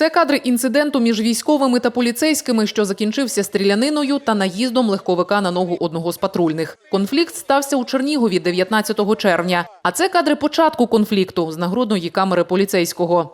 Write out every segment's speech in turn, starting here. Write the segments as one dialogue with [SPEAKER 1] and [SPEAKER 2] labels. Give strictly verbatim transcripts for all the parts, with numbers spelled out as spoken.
[SPEAKER 1] Це кадри інциденту між військовими та поліцейськими, що закінчився стріляниною та наїздом легковика на ногу одного з патрульних. Конфлікт стався у Чернігові дев'ятнадцятого червня. А це кадри початку конфлікту з нагрудної камери поліцейського.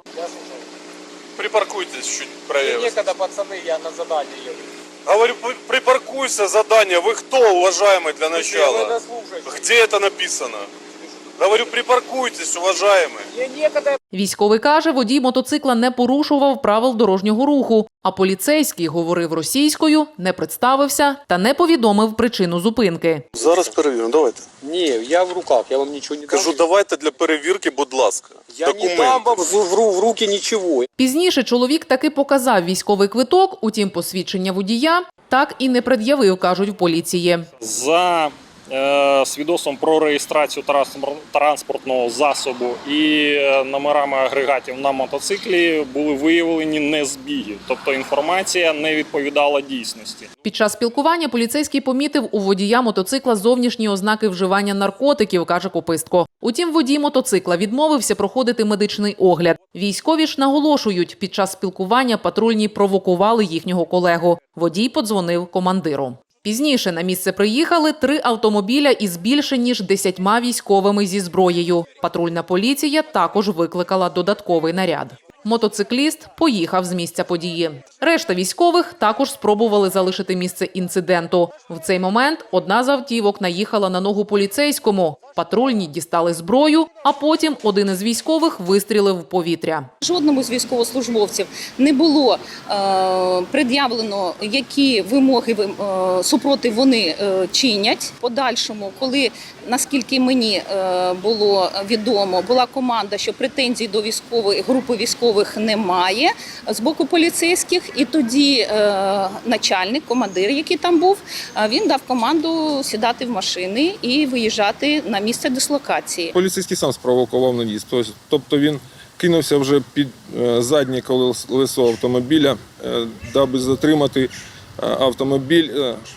[SPEAKER 2] Припаркуйтесь чуть правее.
[SPEAKER 3] Некогда, пацаны, я на задание еду.
[SPEAKER 2] Говорю, припаркуйся, задание. Вы кто, уважаемый, для начала? Где это написано? Говорю, припаркуйтесь, уважаемый.
[SPEAKER 3] Мне некогда.
[SPEAKER 1] Військовий каже, водій мотоцикла не порушував правил дорожнього руху, а поліцейський говорив російською, не представився та не повідомив причину зупинки.
[SPEAKER 2] Зараз перевіримо, давайте.
[SPEAKER 3] Не, я в руках, я вам ничего не дам.
[SPEAKER 2] Кажу, давайте для перевірки, будь ласка.
[SPEAKER 3] Я не дам вам в, в, в руки ничего.
[SPEAKER 1] Пізніше чоловік таки показав військовий квиток, утім посвідчення водія так і не пред'явив, кажуть в поліції.
[SPEAKER 4] За е, свідоцтвом про реєстрацію транспортного засобу і номерами агрегатів на мотоциклі були виявлені незбіги, тобто інформація не відповідала дійсності.
[SPEAKER 1] Під час спілкування поліцейський помітив у водія мотоцикла зовнішні ознаки вживання наркотиків, каже Копистко. Утім, водій мотоцикла відмовився проходити медичний огляд. Військові ж наголошують, під час спілкування патрульні провокували їхнього колегу. Водій подзвонив командиру. Пізніше на місце приїхали три автомобіля із більше ніж десятьма військовими зі зброєю. Патрульна поліція також викликала додатковий наряд. Мотоцикліст поїхав з місця події. Решта військових також спробували залишити місце інциденту. В цей момент одна з автівок наїхала на ногу поліцейському. Патрульні дістали зброю, а потім один із військових вистрілив в повітря.
[SPEAKER 5] Жодному з військовослужбовців не було е, пред'явлено, які вимоги е, супротив вони е, чинять. Подальшому, коли, наскільки мені е, було відомо, була команда, що претензій до військової групи військових немає з боку поліцейських, і тоді е, начальник, командир, який там був, він дав команду сідати в машини і виїжджати на місце дислокації.
[SPEAKER 6] Поліцейський сам спровокував наїзд. Тобто він кинувся вже під заднє колесо автомобіля, даби затримати автомобіль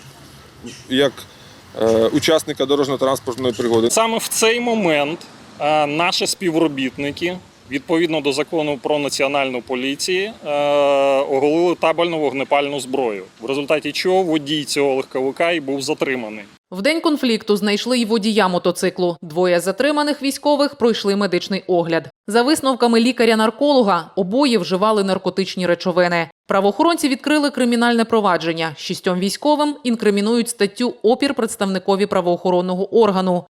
[SPEAKER 6] як учасника дорожньо-транспортної пригоди.
[SPEAKER 4] Саме в цей момент наші співробітники, відповідно до закону про національну поліцію, оголили табельну вогнепальну зброю, в результаті чого водій цього легковика і був затриманий.
[SPEAKER 1] В день конфлікту знайшли й водія мотоциклу. Двоє затриманих військових пройшли медичний огляд. За висновками лікаря-нарколога, обоє вживали наркотичні речовини. Правоохоронці відкрили кримінальне провадження. Шістьом військовим інкримінують статтю «Опір представникові правоохоронного органу».